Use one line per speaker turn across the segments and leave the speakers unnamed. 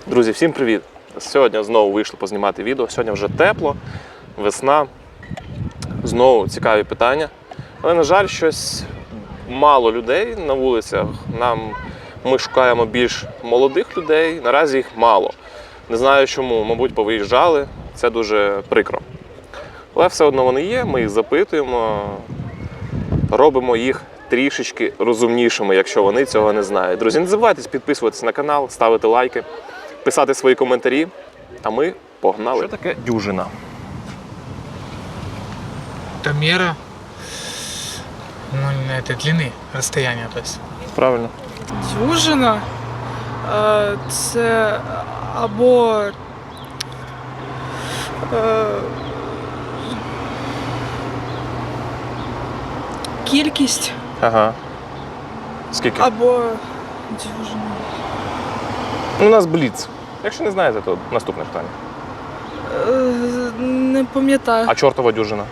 Друзі, всім привіт! Сьогодні знову вийшло познімати відео. Сьогодні вже тепло, весна. Знову цікаві питання. Але, на жаль, щось мало людей на вулицях. Ми шукаємо більш молодих людей, наразі їх мало. Не знаю чому, мабуть, повиїжджали. Це дуже прикро. Але все одно вони є, ми їх запитуємо, робимо їх трішечки розумнішими, якщо вони цього не знають. Друзі, не забувайте підписуватися на канал, ставити лайки, писати свої коментарі, а ми погнали. Що таке дюжина?
Это мера, ну, этой длины, расстояния, то есть.
Правильно.
Дюжина це або кількість,
Ага. Скільки?
або дюжина.
Ну, у нас бліц. Якщо не знаєте, то наступне питання.
Не пам'ятаю.
А чортова дюжина?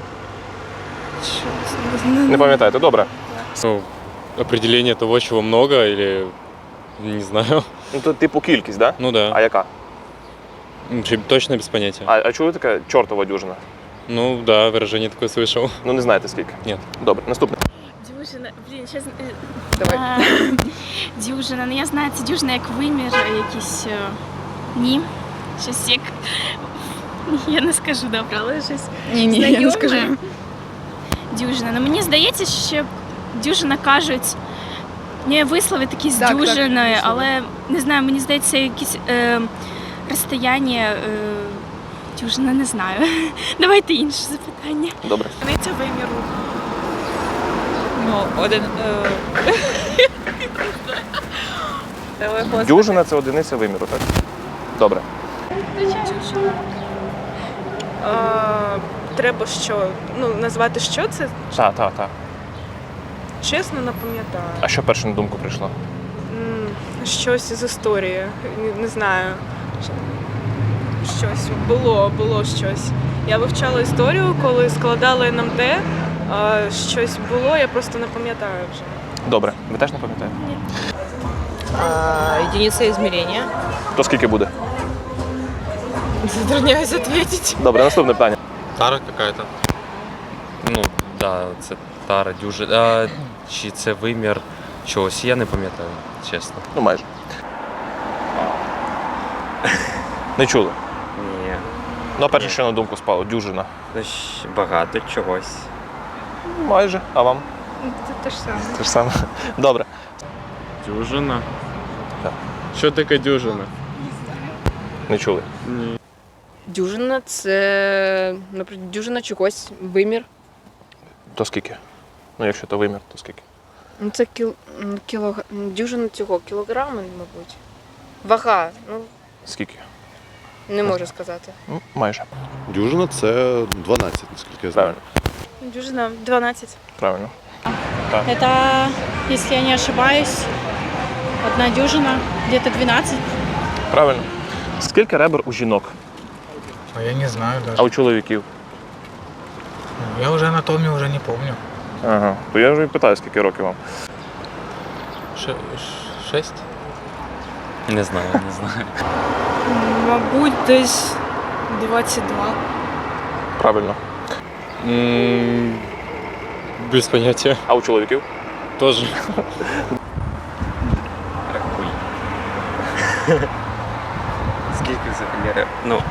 Що?
Не пам'ятаєте? Добре.
Ну, определение того, чего много, или не знаю.
Ну, то типу кількість, так? Да?
Ну да.
А яка?
Вообще точно без понятия.
А чули таке чортова дюжина?
Ну да, выражение такое слышал.
Ну, не знаєте скільки?
Нет.
Добре, наступне.
Дюжина, блін, щас...
Давай.
Дюжина, ну я знаю, це дюжина як вимір, якийсь... Ні, щось як... Я не скажу, добре, але щось
Ні, я
знайоме.
не скажу.
Дюжина. Ну мені здається, що дюжина кажуть, не вислови такі з
Так,
дюжиною,
так,
але не знаю, мені здається, якісь розстояння, дюжина, не знаю. Давайте інше запитання.
Добре.
Одиниця виміру.
Ну, один.
Дюжина – це одиниця виміру, так? Добре.
Треба що? Ну, назвати що це?
Так.
Чесно, не пам'ятаю.
А що перше на думку прийшло?
Щось з історії. Не знаю. Щось було щось. Я вивчала історію, коли складала НМТ. Щось було, я просто не пам'ятаю вже.
Добре. Ви теж не пам'ятаєте?
Единиця измерения.
То скільки буде?
Затрудняюсь ответить.
Добре, наступне питання.
Тара какая-то. Ну, да, це тара, дюжина. Чи це вимір чогось, я не пам'ятаю, чесно.
Ну, майже. Не чули?
Ні,
Ну, а перше, що на думку спало? Дюжина.
ну, багато чогось.
Майже. А вам?
Це те ж саме.
Те ж саме. Добре.
Дюжина?
Так.
Що таке дюжина?
Не чули.
Дюжина це, наприклад, дюжина чогось, вимір.
То скільки? Ну, якщо то вимір, то скільки?
Ну це дюжина цього, кілограми, мабуть. Вага, ну
Скільки?
не можу сказати.
Ну, майже.
Дюжина це 12, наскільки я знаю.
Правильно.
Дюжина 12.
Правильно.
Это, если я не ошибаюсь, одна дюжина, где-то 12.
Правильно. Скільки ребер у жінок?
А я не знаю даже.
А у чоловіків?
Я уже анатомию уже не помню.
Ага. То я вже і питаю, скільки років вам.
6?
Не знаю, не знаю.
Мабуть, десь 22.
Правильно.
Без понятия.
А у чоловіків?
Тоже.
Рахуй. Скільки взагалі? Ну,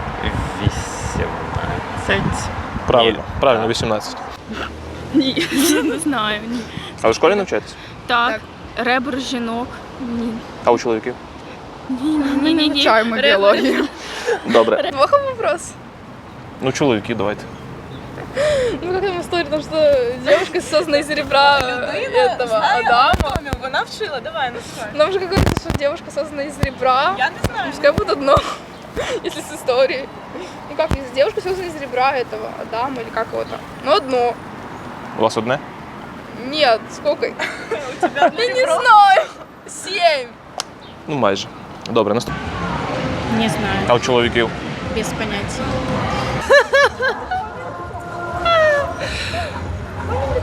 18.
Правильно.
Ні.
Правильно, 18.
Ні, не знаю, ні.
А ви в школі навчаєтесь?
Так, ребер жінок. Ні.
А у чоловіків?
Ні.
Вивчаємо біологію.
Добре.
Плохо вопрос.
Ну, чоловіки, давайте.
Ну как там история, потому что девушка создана из ребра этого Адама.
Вона вчила, давай, називай.
Нам же какое-то, что девушка создана из ребра.
Я не знаю.
Пускай будет одно, если с историей. Ну как, девушка создана из ребра этого Адама или как его там? Ну одно.
У вас одне?
Нет, сколько? У тебя я не знаю. 7.
Ну, майже. Добре, наступне.
Не знаю,
А у чоловіків?
без понятия.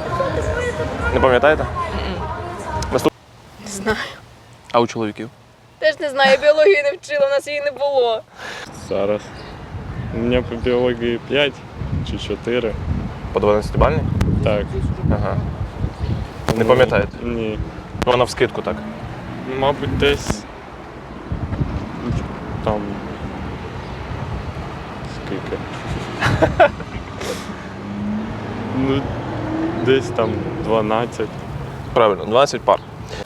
Не пам'ятаєте?
Не знаю.
А у чоловіків?
Теж не знаю, я біологію не вчила, у нас її не було.
Зараз. У мене по біології 5 чи 4.
По 12-бальній?
Так.
Ага. Не пам'ятаєте?
Ні.
Ну, вона вскидку так.
Мабуть, десь там. Скільки? Ну, десь там 12.
Правильно, 12 пар.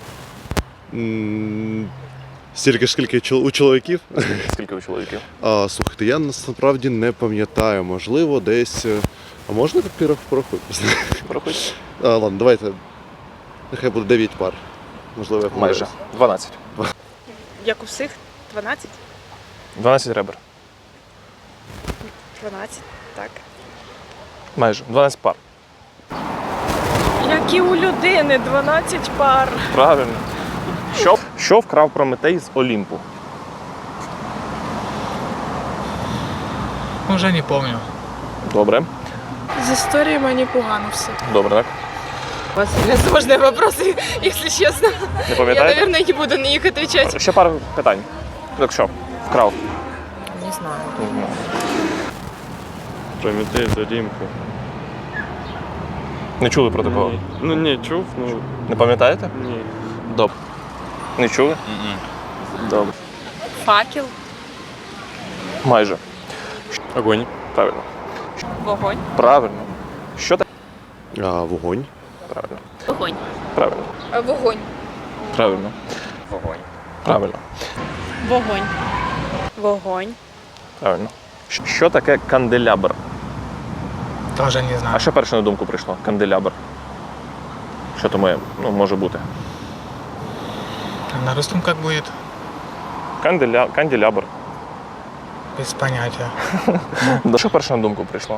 Стільки ж, скільки у чоловіків?
Скільки у чоловіків?
Слухайте, я насправді не пам'ятаю. Можливо, десь. А можна так порахувати?
Порахуйте.
Ладно, давайте. Нехай буде 9 пар. Можливо, я
Майже.
помиляюсь.
12.
Як у всіх? 12?
12 ребер.
12, так.
Майже. 12 пар.
Як і у людини, 12 пар.
Правильно. Що вкрав Прометей з Олімпу?
Уже не помню.
Добре.
З історії мені погано все.
Добре, так?
У вас сложные вопросы, если честно.
Не
Я,
пам'ятаєте?
наверное, не буду на них отвечать.
Ще пару питань. Так що? Вкрав?
Не знаю.
Не знаю.
Прометей з Олімпу.
Не чули про такого?
Ні. Ну, ні, чув, ну
Не пам'ятаєте?
ні.
Добре. Не чули? Добре.
Факел.
Майже.
Огонь.
Правильно.
Вогонь.
Правильно. Що таке?
Вогонь.
Правильно.
Вогонь.
Правильно.
Вогонь.
Правильно.
Вогонь.
Правильно.
Вогонь.
Вогонь.
Правильно. Що таке канделябр?
Тоже не знаю.
А що перше на думку прийшло? Канделябр. Що то може бути?
На русском как будет?
Канделябр.
Без понятия.
Що перше на думку прийшло?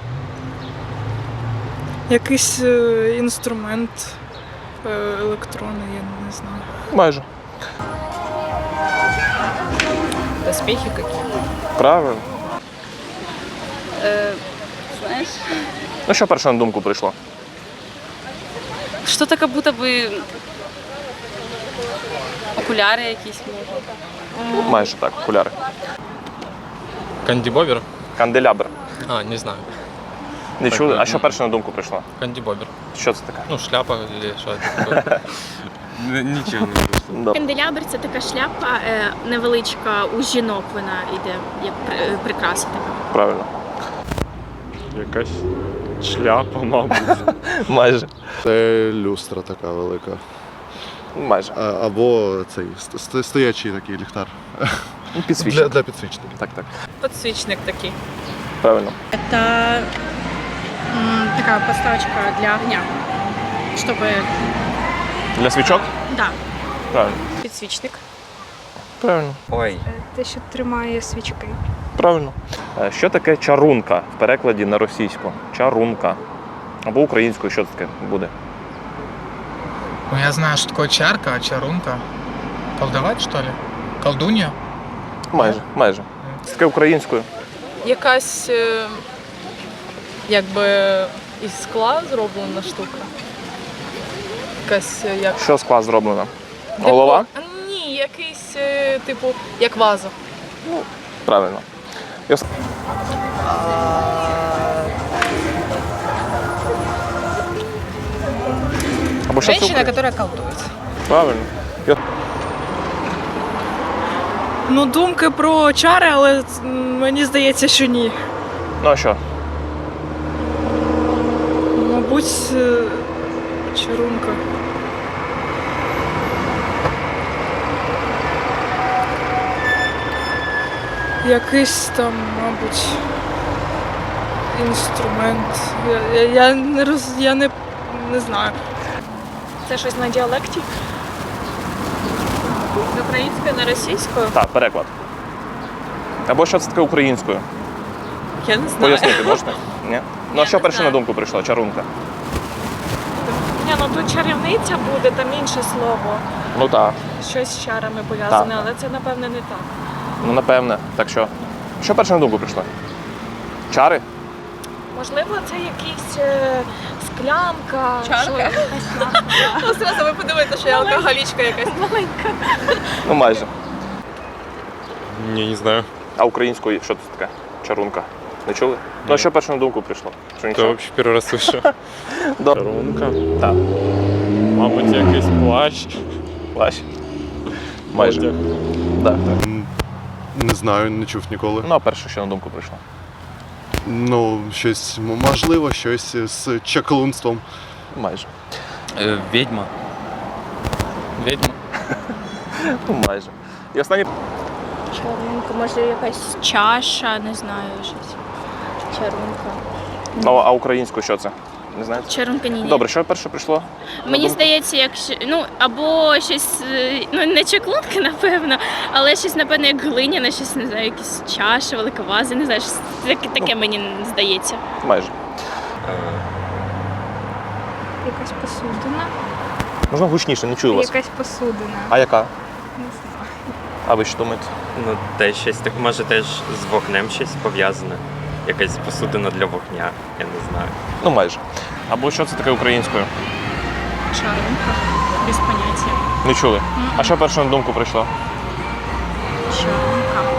Якийсь інструмент електронний, я не знаю.
Майже.
Доспехи какие?
Правильно.
Знаєш,
Ну що перше на думку прийшло?
що-то як будто би окуляри якісь може.
Майже так, окуляри.
Кандібобер?
Канделябр.
А, не знаю.
Не чули? А що перше на думку прийшло?
Кандібобер.
Що це таке?
Ну, шляпа или що таке. Нічого не вийшло.
Добре.
Канделябр це така шляпа невеличка, у жінок вона йде, як прикраса така.
Правильно.
Якась шляпа, мабуть.
Майже.
Це люстра така велика.
Майже.
Або цей стоячий такий ліхтар.
Підсвічник.
Для підсвічника.
Так, так.
Подсвічник такий.
Правильно.
Это такая подставочка для огня, чтобы...
Для свічок?
Да.
Правильно.
Підсвічник.
Правильно.
Ой.
Те, що тримає свічки.
Правильно. Що таке чарунка в перекладі на російську? Чарунка. Або українською, що це таке буде?
Ну, я знаю, что такое чарка, а чарунка. Колдовать, что ли? Колдунья?
Майже, майже. Це таке українською.
Якась якби із скла зроблена штука. Якась як.
Що з скла зроблено? Голова?
Ні, якийсь, типу, як ваза.
Правильно. Або що це
Женщина,
українською?
которая колдует.
Правильно.
Ну, думки про чари, але мені здається, що ні.
Ну а що?
Мабуть, чарунка. Якийсь там, мабуть, інструмент. Я не знаю.
Це щось на діалекті? З української на російською?
Так, переклад. Або що це таке українською?
Я не знаю.
Пояснити можете? Ні? Ну а що
не
перше
знаю.
на думку прийшло? Чарунка.
Ні, ну тут чарівниця буде, там інше слово.
Ну так.
Щось з чарами пов'язане,
Так.
але це, напевне, не так.
Ну напевне. Так що? Що перше на думку прийшло? Чари?
Можливо, це якийсь склянка.
Чарка?
Якась склянка. Ну, зразу ви подивитеся, що я алкоголічка якась.
Ну майже.
Ні, не знаю.
А українською що це таке? Чарунка. Не чули? Ну, а що перше на думку прийшло? Що
То
нічого?
взагалі перший раз слышу.
Добре.
Чарунка.
Так.
Мабуть, якийсь плащ.
Плащ. Майже.
Одяг.
Так, так.
Не знаю, не чув ніколи.
Ну, а перше, що на думку прийшло?
Ну, щось, можливо, щось з чаклунством.
Майже.
Відьма.
Ведьма.
Ну, майже. І останнє.
Чарунка, може якась чаша, не знаю, щось. Чарунка.
Ну, а українською що це? Не знаєте?
Чарунка ні.
Добре, що перше прийшло? на
Мені
думку?
здається, якщо ну або щось, ну не чаклунка, напевно, але щось, напевно, як глиняне, щось не знаю, якісь чаші, велика ваза, не знаю, щось таке мені здається.
Майже.
Якась посудина.
Можна гучніше, не чую вас.
Якась посудина.
А яка?
Не знаю.
А ви що думаєте?
Ну, теж щось так, може теж з вогнем щось пов'язане. Якась посудина для вогня, я не знаю.
Ну, майже. Або що це таке українською?
Чарунка. Без понятия.
Не чули. А що перше на думку прийшло?
Чарунка.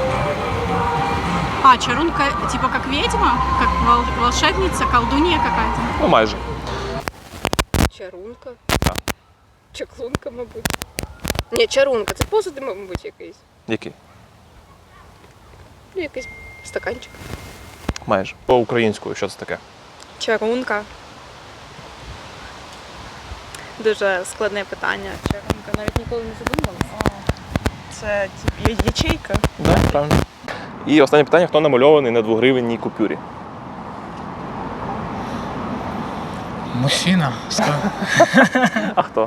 А, чарунка типа как ведьма? Как волшебница, колдунья какая-то?
Ну, майже.
Чарунка.
Так.
Чаклунка, мабуть. Ні, чарунка, це посуд, мабуть, якийсь.
Який?
Ну, якийсь стаканчик.
Майже. По українською, що це таке?
Чарунка. Дуже складне питання. Чарунка. Навіть ніколи не задумувалася. Це ячейка.
Так, правильно. І останнє питання: хто намальований на 2-гривенній купюрі?
Мужчина.
А хто?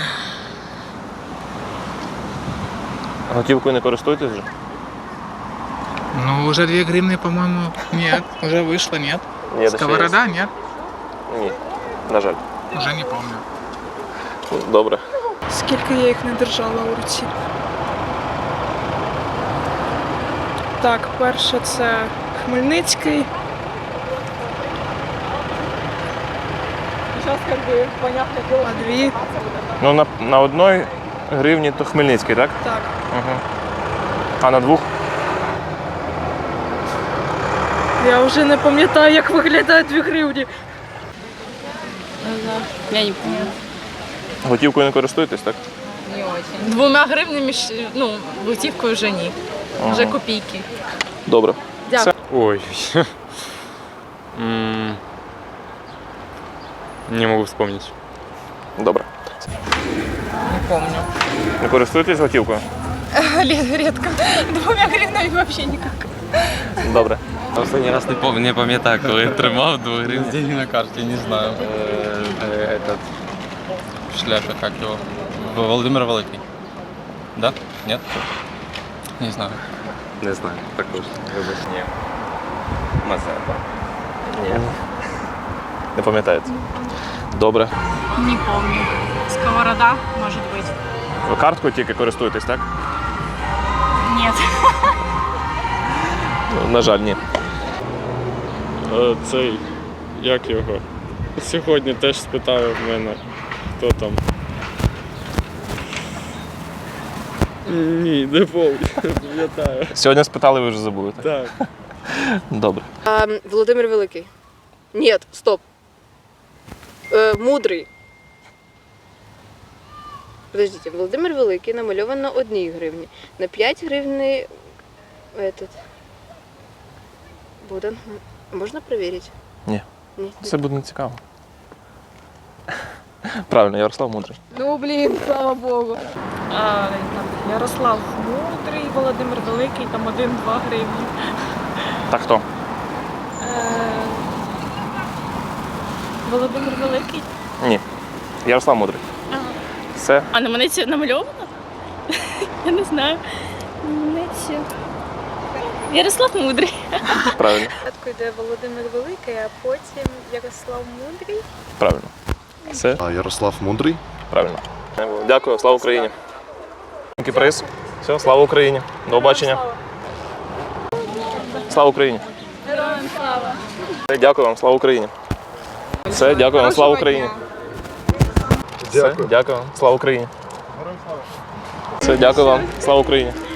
Готівкою не користуєтесь вже?
Ну, уже 2 гривны, по-моему, нет. Уже вышло, нет.
Ні, ще
Сковорода, нет.
є. Ні. На жаль.
Уже не помню.
Добре.
Скільки я їх не держала у руці. Так, перше це Хмельницький. Зараз як би понятне діло. А 2?
Ну, на 1 гривні то Хмельницький, так?
Так.
Угу. А на 2?
Я вже не пам'ятаю, як виглядають 2 гривні.
Я не помню.
Готівкою не користуєтесь, так?
Не очень. 2 гривнами, ну, готівкою вже ні. Вже копійки.
Добре.
Ой. Не могу вспомнить.
Добре.
Не помню.
Не користуєтесь готівкою?
Редко. 2 гривнами вообще никак.
Добре.
Останній раз не пам'ятаю, коли тримав 2 гривні.
Деньги на карте, не знаю. Этот в шляпе, как его? Володимир Великий. Да? Нет? Не знаю.
Не знаю, також. Вибач, ні. Мазепа. Ні.
Не пам'ятаєте? Добре.
Не помню. Сковорода, может быть.
Ви карткою тільки користуєтесь, так?
Нет.
Ну, на жаль, ні.
Цей, як його? Сьогодні теж спитали в мене, хто там. Ні, не пам'ятаю.
Сьогодні спитали, ви вже забули, так?
Так.
Добре.
Володимир Великий. Ні, стоп. Мудрий. Подождите, Володимир Великий намальован на 1 гривні. На 5 гривні этот. Богдан. Можна перевірити?
Ні.
Ні.
Це буде не цікаво. Правильно, Ярослав Мудрий.
Ну, блін, слава Богу. Ярослав Мудрий, Володимир Великий, там 1-2 гривні.
Так хто?
Володимир Великий.
Ні. Ярослав Мудрий. Все.
А на мене це намальовано? Я не знаю. На мене це... Ярослав Мудрий.
Правильно.
Спочатку йде Володимир Великий, а потім Ярослав Мудрий.
Правильно. Все.
А Ярослав Мудрий?
Правильно. Дякую, слава Україні. Який приз? Все, слава Україні. До побачення. Слава Україні.
Героям слава.
Все, дякую вам, слава Україні. Все, дякую вам, слава Україні. Все, дякую вам, слава Україні. Все, дякую вам, слава Україні.